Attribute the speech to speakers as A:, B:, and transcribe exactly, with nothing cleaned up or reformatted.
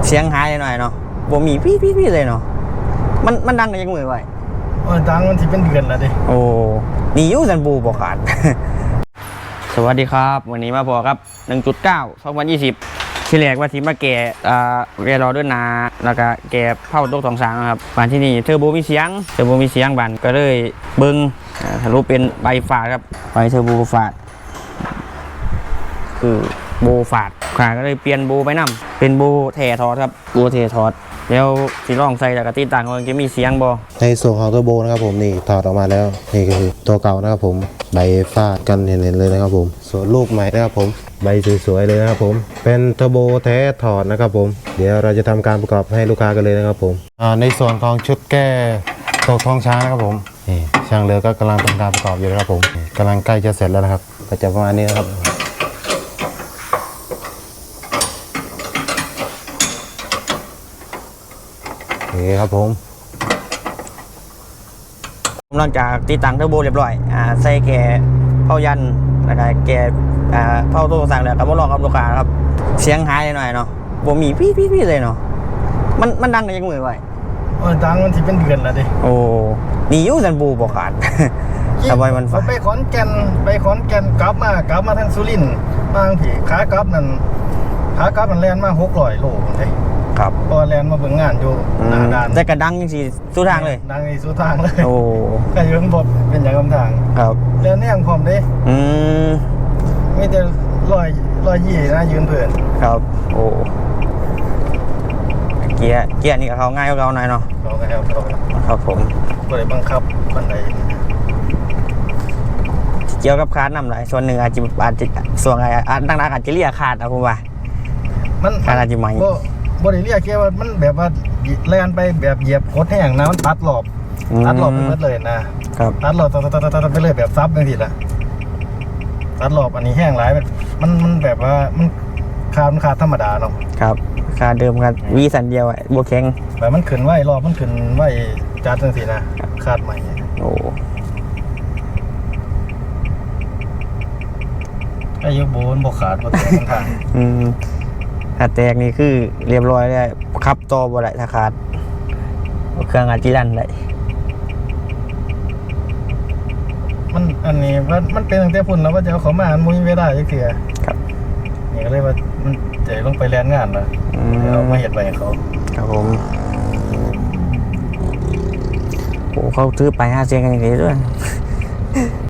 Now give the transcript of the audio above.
A: เสียงหายหน่อยเนาะบ่มีพี่พี่พี่เลยเนาะมันมันดังยังมือไว้
B: เออดังมันที่เป็นเดือนแล้วดิ
A: โอ้นี่ยูซันบูบ่ขาด สวัสดีครับวันนี้มาพอครับ หนึ่งจุดเก้า สองพันยี่สิบ ที่แรกว่าทีมาแก่อ่าแกรอด้วยนาแล้วก็แกเผาโต๊ะสองสางนะครับบ้านที่นี่เทอร์โบมีเสียงเทอร์โบมีเสียงบ้านก็เลยเบิ้งทะลุเป็นใบฝาดครับใบเทอร์โบฝาดคือโบฝาดขาก็เลยเปลี่ยนโบไปนำเป็นโบแถทอดครับโบแถทอดแล้วสีร่องใส่แล้วก็ติดตั้งมันจะมีเสียงบอ
C: ในส่วนของเทอร์โบนะครับผมนี่ถอดออกมาแล้วนี่ก็คือตัวเก่านะครับผมใบฟาดกันเห็นๆเลยนะครับผมส่วนลูกใหม่นะครับผมใบสวยๆเลยนะครับผมเป็นเทอร์โบแท้ถอดนะครับผมเดี๋ยวเราจะทำการประกอบให้ลูกค้ากันเลยนะครับผมในส่วนของชุดแก้ตกท้องช้างนะครับผมนี่ช่างเรือก็กำลังทำการประกอบอยู่นะครับผมกำลังใกล้จะเสร็จแล้วนะครับก็จะประมาณนี้นะครับนี่ครับผม
A: หลังจากติดตั้งเทอร์โบเรียบร้อยอ่าใส่แกเผายันแล้วก็แกอ่าเผาโต๊ะสั่งแล้วก็บ่ลองกับลูกค้าครับเสียงหายหน่อยเนาะบ่มีพี่พี่พี่เลยเนาะมันมันดังยังมือไว้
B: เออดังมันที่เป็นเดือนแล้วดิ
A: โอ้นี่ยูซันบูบ่ขาดทำไมมัน
B: ไปขอนแก่นไปขอนแก่นกลับมากลับมาทางสุรินทร์บางผีขากลับนั่นขากลับมันแล่นมาหกร้อยโลเลย
A: ครับ
B: พอแลนมาเบิ่งงานอยู่หน้าด่าน
A: แต่กระดังยังสิสู้ทางเลย
B: ดังนี่สู้ทางเลย
A: โอ้
B: ก็ยืนบดเป็นอย่างคำทาง
A: ครับ
B: แลนเนี่ยงพร้อมดิ
A: อืม
B: ไม่แต่ลอยลอยยี่นะยืนเพื่อน
A: ครับโอ้เกียร์เกียร์นี่กับเขาง่ายกว่าเขาหน่อยเนาะ
B: เราก็ครับ
A: ครับผม
B: ก็เลยบังคับบันได
A: เกี่ยวกับคาดนำหลายส่วนหนึ่งอาจจะอาจจะส่วนอะไรอาจดังๆอาจจะเรียกขาดนะผมว่า
B: มัน
A: คาดอาจจะใหม่
B: บริเรียกแค่ว่ามันแบบว่าแลนไปแบบเหยียบโคตรแห้งนะมันตัดหลบตัดหลบไปหมดเลยนะครับตัดหลบตัดตัดตัดตัดไปเลยแบบซับอย่างที่ละตัดหลบอันนี้แห้งหลายมันมันแบบว่ามันคาดมันคาดธรรมดาเนาะ
A: ครับคาเดิมครับวีสันเดียวอ่ะโบแข็ง
B: แบบมันขึ้นไหวรอบมันขึ้นไหวจัดจังสินะคาดใหม่
A: โอ้
B: อายุโบนบกขาดบกแตกทาง
A: อืมถ้าแตกนี่คือเรียบร้อยเลยขับต่อบ่ได้ถ้าขาดเครื่องอาจจะดันได้
B: มันอันนี้ว่ามันเป็นตั้งแต่พุ่นแล้วว่าจะเอาเขามาอันมุ้ยไม่ได้ยังเสีย
A: ครับ
B: นี่ก็เลยว่ามันจะลงไปแลนงานเลยเอามาเห็นไปเขา
A: ครับผมโอ้เขาซื้อไปห้าเซนกันอย่างนี้ด้วย